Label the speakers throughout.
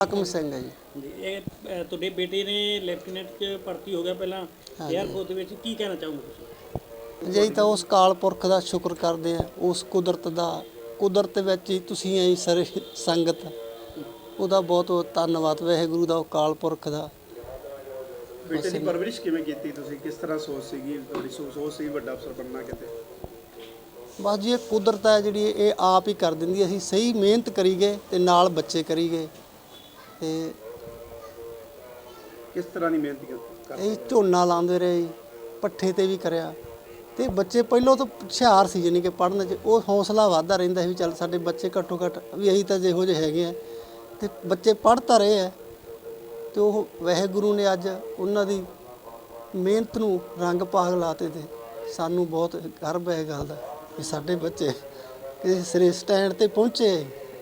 Speaker 1: ਹਾਕਮ ਸਿੰਘ ਹੈ ਜੀ।
Speaker 2: ਜੀ ਇਹ ਤੁਹਾਡੇ ਬੇਟੇ ਨੇ ਲੈਫਟੀਨੈਂਟ 'ਚ ਭਰਤੀ ਹੋ ਗਿਆ ਪਹਿਲਾਂ ਏਅਰਫੋਰਸ ਦੇ ਵਿੱਚ, ਕੀ ਕਹਿਣਾ ਚਾਹੋਗੇ ਤੁਸੀਂ?
Speaker 1: ਜੀ ਤਾਂ ਉਸ ਕਾਲ ਪੁਰਖ ਦਾ ਸ਼ੁਕਰ ਕਰਦੇ ਆ, ਉਸ ਕੁਦਰਤ ਵਿੱਚ ਹੀ ਤੁਸੀਂ ਐ ਸਾਰੇ ਸੰਗਤ, ਉਹਦਾ ਬਹੁਤ ਬਹੁਤ ਧੰਨਵਾਦ ਵਾਹਿਗੁਰੂ ਦਾ, ਉਹ ਕਾਲ ਪੁਰਖ ਦਾ।
Speaker 3: ਬੇਟੇ ਦੀ ਪਰਵਰਿਸ਼ ਕਿਵੇਂ ਕੀਤੀ ਤੁਸੀਂ? ਕਿਸ ਤਰ੍ਹਾਂ ਸੋਚ ਸੀਗੀ ਤੁਹਾਡੀ? ਸੋਚ ਸੀ ਵੱਡਾ ਅਫਸਰ ਬਣਨਾ ਕਿਤੇ?
Speaker 1: ਬਸ ਜੀ ਇਹ ਕੁਦਰਤ ਹੈ ਜਿਹੜੀ ਇਹ ਆਪ ਹੀ ਕਰ ਦਿੰਦੀ। ਅਸੀਂ ਸਹੀ ਮਿਹਨਤ ਕਰੀ ਗਏ ਤੇ ਨਾਲ ਬੱਚੇ ਕਰੀ ਗਏ ਤੇ
Speaker 3: ਕਿਸ ਤਰ੍ਹਾਂ ਦੀ ਮਿਹਨਤ ਕਰਦੇ?
Speaker 1: ਇਹ ਝੋਨਾ ਲਾਉਂਦੇ ਰਹੇ ਜੀ, ਪੱਠੇ ਤੇ ਵੀ ਕਰਿਆ ਤੇ ਬੱਚੇ ਪਹਿਲਾਂ ਤੋਂ ਹੁਸ਼ਿਆਰ ਸੀ, ਜਾਣੀ ਕਿ ਪੜ੍ਹਨ 'ਚ ਉਹ ਹੌਸਲਾ ਵੱਧਦਾ ਰਹਿੰਦਾ ਸੀ ਵੀ ਚੱਲ ਸਾਡੇ ਬੱਚੇ ਘੱਟੋ ਘੱਟ ਵੀ ਅਸੀਂ ਤਾਂ ਜਿਹੋ ਜਿਹੇ ਹੈਗੇ ਆ ਤੇ ਬੱਚੇ ਪੜ੍ਹ ਤਾਂ ਰਹੇ ਆ। ਤੇ ਉਹ ਵਾਹਿਗੁਰੂ ਨੇ ਅੱਜ ਉਹਨਾਂ ਦੀ ਮਿਹਨਤ ਨੂੰ ਰੰਗ ਭਾਗ ਲਾਤੇ ਤੇ ਸਾਨੂੰ ਬਹੁਤ ਗਰਵ ਹੈ ਇਹ ਗੱਲ ਦਾ ਵੀ ਸਾਡੇ ਬੱਚੇ ਕਿਸੇ ਸਿਰੇ ਸਟੈਂਡ ਤੇ ਪਹੁੰਚੇ।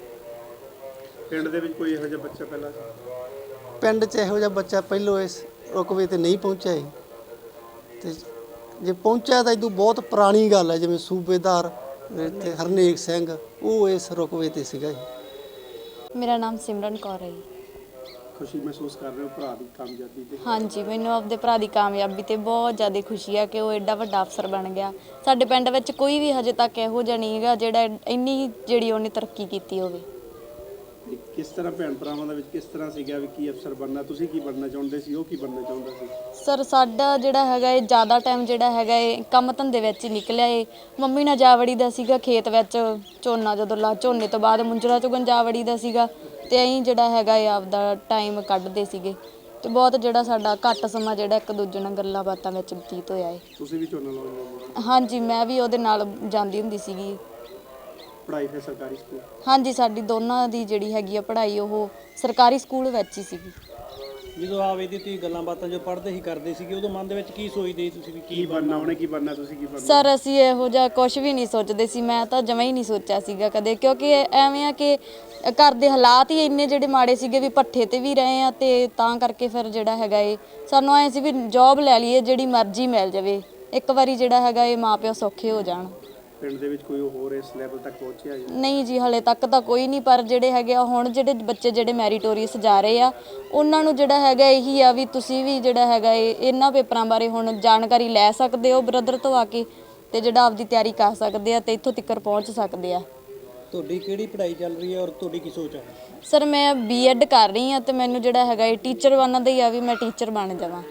Speaker 3: ਪਿੰਡ ਦੇ ਵਿੱਚ ਕੋਈ ਇਹੋ ਜਿਹਾ ਬੱਚਾ ਪਹਿਲਾਂ ਸੀ?
Speaker 1: ਪਿੰਡ 'ਚ ਇਹੋ ਜਿਹਾ ਬੱਚਾ ਪਹਿਲੋਂ ਇਸ ਰੁਕਵੇ ਤੇ ਨਹੀਂ ਪਹੁੰਚਿਆ ਜੀ। ਤੇ ਜੇ ਪਹੁੰਚਿਆ ਤਾਂ ਇਦੋਂ ਬਹੁਤ ਪੁਰਾਣੀ ਗੱਲ ਹੈ, ਜਿਵੇਂ ਸੂਬੇਦਾਰ ਇੱਥੇ ਹਰਨੇਕ ਸਿੰਘ ਉਹ ਇਸ ਰੁਕਵੇ ਤੇ ਸੀਗਾ ਜੀ।
Speaker 4: ਮੇਰਾ ਨਾਮ ਸਿਮਰਨ ਕੌਰ ਹੈ ਜੀ।
Speaker 3: ਖੁਸ਼ੀ ਮਹਿਸੂਸ ਕਰ ਰਹੇ ਹੋ ਭਰਾ ਦੀ ਕਾਮਯਾਬੀ ਤੇ?
Speaker 4: ਹਾਂਜੀ, ਮੈਨੂੰ ਆਪਦੇ ਭਰਾ ਦੀ ਕਾਮਯਾਬੀ ਤੇ ਬਹੁਤ ਜ਼ਿਆਦਾ ਖੁਸ਼ੀ ਆ ਕਿ ਉਹ ਐਡਾ ਵੱਡਾ ਅਫਸਰ ਬਣ ਗਿਆ। ਸਾਡੇ ਪਿੰਡ ਵਿੱਚ ਕੋਈ ਵੀ ਹਜੇ ਤੱਕ ਇਹੋ ਜਿਹਾ ਨਹੀਂ ਹੈਗਾ ਜਿਹੜਾ ਇੰਨੀ ਜਿਹੜੀ ਉਹਨੇ ਤਰੱਕੀ ਕੀਤੀ ਹੋਵੇ।
Speaker 3: ਕਿਸ ਤਰ੍ਹਾਂ ਭੈਣ ਭਰਾਵਾਂ ਦੇ ਵਿੱਚ ਕਿਸ ਤਰ੍ਹਾਂ ਸੀਗਾ ਵੀ ਕੀ ਅਫਸਰ ਬਣਨਾ? ਤੁਸੀਂ ਕੀ ਬਣਨਾ ਚਾਹੁੰਦੇ ਸੀ, ਉਹ ਕੀ ਬਣਨਾ ਚਾਹੁੰਦਾ ਸੀ?
Speaker 4: ਸਰ ਸਾਡਾ ਜਿਹੜਾ ਹੈਗਾ ਇਹ ਜ਼ਿਆਦਾ ਟਾਈਮ ਜਿਹੜਾ ਹੈਗਾ ਇਹ ਕੰਮ ਧੰਦੇ ਵਿੱਚ ਹੀ ਨਿਕਲਿਆ ਏ। ਮੰਮੀ ਨਾਲ ਜਾ ਵੜੀ ਦਾ ਸੀਗਾ ਖੇਤ ਵਿੱਚ, ਝੋਨਾ ਜਦੋਂ ਝੋਨੇ ਤੋਂ ਬਾਅਦ ਮੁੰਜਰਾ ਚੁਗਣ ਜਾ ਵੜੀ ਦਾ ਸੀਗਾ ਤੇ ਅਸੀਂ ਜਿਹੜਾ ਹੈਗਾ ਇਹ ਆਪਦਾ ਟਾਈਮ ਕੱਢਦੇ ਸੀਗੇ ਤੇ ਬਹੁਤ ਜਿਹੜਾ ਸਾਡਾ ਘੱਟ ਸਮਾਂ ਜਿਹੜਾ ਇੱਕ ਦੂਜੇ ਨਾਲ ਗੱਲਾਂ ਬਾਤਾਂ ਵਿੱਚ ਬਤੀਤ ਹੋਇਆ ਏ।
Speaker 3: ਤੁਸੀਂ ਵੀ ਝੋਨਾ ਲਾਉਂਦੇ?
Speaker 4: ਹਾਂਜੀ, ਮੈਂ ਵੀ ਉਹਦੇ ਨਾਲ ਜਾਂਦੀ ਹੁੰਦੀ ਸੀਗੀ।
Speaker 3: ਪੜ੍ਹਾਈ ਫਿਰ ਸਰਕਾਰੀ ਸਕੂਲ?
Speaker 4: ਹਾਂਜੀ, ਸਾਡੀ ਦੋਨਾਂ ਦੀ ਜਿਹੜੀ ਹੈਗੀ ਆ ਪੜ੍ਹਾਈ ਉਹ ਸਰਕਾਰੀ ਸਕੂਲ ਵਿੱਚ ਹੀ ਸੀਗੀ।
Speaker 2: ਜਦੋਂ ਆਪ ਇਹਦੀ ਤੁਸੀਂ ਗੱਲਾਂ ਬਾਤਾਂ ਜੋ ਪੜ੍ਹਦੇ ਹੀ ਕਰਦੇ ਸੀਗੇ ਉਦੋਂ ਮਨ ਦੇ ਵਿੱਚ ਕੀ ਸੋਚਦੇ ਸੀ ਤੁਸੀਂ ਵੀ
Speaker 3: ਕੀ ਬਣਨਾ? ਉਹਨੇ ਕੀ ਬਣਨਾ, ਤੁਸੀਂ ਕੀ ਬਣਨਾ?
Speaker 4: ਸਰ ਅਸੀਂ ਇਹੋ ਜਿਹਾ ਕੁਝ ਵੀ ਨਹੀਂ ਸੋਚਦੇ ਸੀ, ਮੈਂ ਤਾਂ ਜਮਾਂ ਹੀ ਨਹੀਂ ਸੋਚਿਆ ਸੀਗਾ ਕਦੇ, ਕਿਉਂਕਿ ਐਵੇਂ ਆ ਕਿ ਘਰ ਦੇ ਹਾਲਾਤ ਹੀ ਇੰਨੇ ਜਿਹੜੇ ਮਾੜੇ ਸੀਗੇ ਵੀ ਪੱਠੇ ਤੇ ਵੀ ਰਹੇ ਆ ਤੇ ਤਾਂ ਕਰਕੇ ਫਿਰ ਜਿਹੜਾ ਹੈਗਾ ਇਹ ਸਾਨੂੰ ਐਂ ਸੀ ਵੀ ਜੌਬ ਲੈ ਲਈਏ ਜਿਹੜੀ ਮਰਜ਼ੀ ਮਿਲ ਜਾਵੇ, ਇੱਕ ਵਾਰੀ ਜਿਹੜਾ ਹੈਗਾ ਇਹ ਮਾਂ ਪਿਓ ਸੌਖੇ ਹੋ ਜਾਣ।
Speaker 3: ਪਿੰਡ ਦੇ ਵਿੱਚ ਕੋਈ ਹੋਰ ਇਸ ਲੈਵਲ ਤੱਕ ਪਹੁੰਚਿਆ ਜੀ?
Speaker 4: ਨਹੀਂ ਜੀ, ਹਲੇ ਤੱਕ ਤਾਂ ਕੋਈ ਨਹੀਂ, ਪਰ ਜਿਹੜੇ ਹੈਗੇ ਆ ਹੁਣ ਜਿਹੜੇ ਬੱਚੇ ਜਿਹੜੇ ਮੈਰੀਟੋਰੀਅਸ ਜਾ ਰਹੇ ਆ ਉਹਨਾਂ ਨੂੰ ਜਿਹੜਾ ਹੈਗਾ ਇਹੀ ਆ ਵੀ ਤੁਸੀਂ ਵੀ ਜਿਹੜਾ ਹੈਗਾ ਇਹਨਾਂ ਪੇਪਰਾਂ ਬਾਰੇ ਹੁਣ ਜਾਣਕਾਰੀ ਲੈ ਸਕਦੇ ਹੋ ਬ੍ਰਦਰ ਤੋਂ ਆ ਕੇ ਤੇ ਜਿਹੜਾ ਆਪਦੀ ਤਿਆਰੀ ਕਰ ਸਕਦੇ ਆ ਤੇ ਇੱਥੋਂ ਤੱਕ ਪਹੁੰਚ ਸਕਦੇ ਆ।
Speaker 2: ਤੁਹਾਡੀ ਕਿਹੜੀ ਪੜ੍ਹਾਈ ਚੱਲ ਰਹੀ ਹੈ ਔਰ ਤੁਹਾਡੀ ਕੀ ਸੋਚ ਹੈ?
Speaker 4: ਸਰ ਮੈਂ ਬੀਐਡ ਕਰ ਰਹੀ ਹਾਂ ਤੇ ਮੈਨੂੰ ਜਿਹੜਾ ਹੈਗਾ ਇਹ ਟੀਚਰ ਬਣਨ ਦਾ ਹੀ ਆ ਵੀ ਮੈਂ ਟੀਚਰ ਬਣ ਜਾਵਾਂ।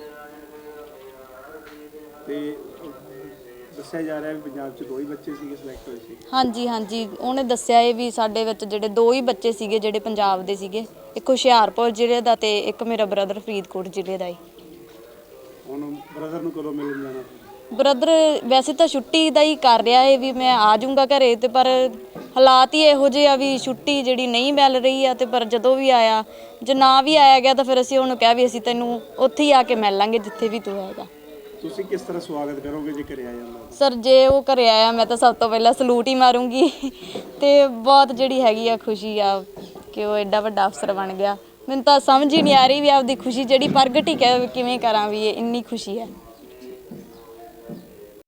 Speaker 3: ਤੇ ਦੱਸਿਆ ਜਾ ਰਿਹਾ ਵੀ ਪੰਜਾਬ 'ਚ 2 ਹੀ ਬੱਚੇ ਸੀਗੇ ਸਿਲੈਕਟ ਹੋਏ ਸੀ?
Speaker 4: ਹਾਂਜੀ, ਉਹਨੇ ਦੱਸਿਆ ਇਹ ਵੀ ਸਾਡੇ ਵਿੱਚ ਜਿਹੜੇ 2 ਹੀ ਬੱਚੇ ਸੀਗੇ ਜਿਹੜੇ ਪੰਜਾਬ ਦੇ ਸੀਗੇ, ਇੱਕ ਹੁਸ਼ਿਆਰਪੁਰ ਜ਼ਿਲ੍ਹੇ ਦਾ ਤੇ ਇੱਕ ਮੇਰਾ ਬ੍ਰਦਰ ਫਰੀਦਕੋਟ ਜ਼ਿਲ੍ਹੇ ਦਾ ਹੀ।
Speaker 3: ਹੁਣ ਬ੍ਰਦਰ ਨੂੰ ਕਦੋਂ ਮਿਲਣ ਜਾਣਾ?
Speaker 4: ਬ੍ਰਦਰ ਵੈਸੇ ਤਾਂ ਛੁੱਟੀ ਦਾ ਹੀ ਕਰ ਰਿਹਾ ਹੈ ਵੀ ਮੈਂ ਆ ਜਾਊਂਗਾ ਘਰੇ ਤੇ ਪਰ ਹਾਲਾਤ ਹੀ ਇਹੋ ਜਿਹੇ ਆ ਵੀ ਛੁੱਟੀ ਜਿਹੜੀ ਨਹੀਂ ਮਿਲ ਰਹੀ ਆ ਤੇ ਪਰ ਜਦੋਂ ਵੀ ਆਇਆ, ਜੇ ਨਾ ਵੀ ਆਇਆ ਗਿਆ ਤਾਂ ਫਿਰ ਅਸੀਂ ਉਹਨੂੰ ਕਿਹਾ ਵੀ ਅਸੀਂ ਤੈਨੂੰ ਉੱਥੇ ਹੀ ਆ ਕੇ ਮਿਲ ਲਾਂਗੇ ਜਿੱਥੇ ਵੀ ਤੂੰ ਹੈਗਾ।
Speaker 3: ਤੁਸੀਂ ਕਿਸ ਤਰ੍ਹਾਂ ਸਵਾਗਤ ਕਰੋਗੇ ਜੇ ਘਰੇ ਆ ਜਾਂਦਾ?
Speaker 4: ਸਰ ਜੇ ਉਹ ਘਰੇ ਆਇਆ ਮੈਂ ਤਾਂ ਸਭ ਤੋਂ ਪਹਿਲਾਂ ਸਲੂਟ ਹੀ ਮਾਰੂੰਗੀ ਤੇ ਬਹੁਤ ਜਿਹੜੀ ਹੈਗੀ ਆ ਖੁਸ਼ੀ ਆ ਕਿ ਉਹ ਐਡਾ ਵੱਡਾ ਅਫਸਰ ਬਣ ਗਿਆ। ਮੈਨੂੰ ਤਾਂ ਸਮਝ ਹੀ ਨਹੀਂ ਆ ਰਹੀ ਵੀ ਆਪਦੀ ਖੁਸ਼ੀ ਜਿਹੜੀ ਪ੍ਰਗਟ ਹੀ ਕਿਵੇਂ ਕਰਾਂ ਵੀ ਇਹ ਇੰਨੀ ਖੁਸ਼ੀ ਹੈ।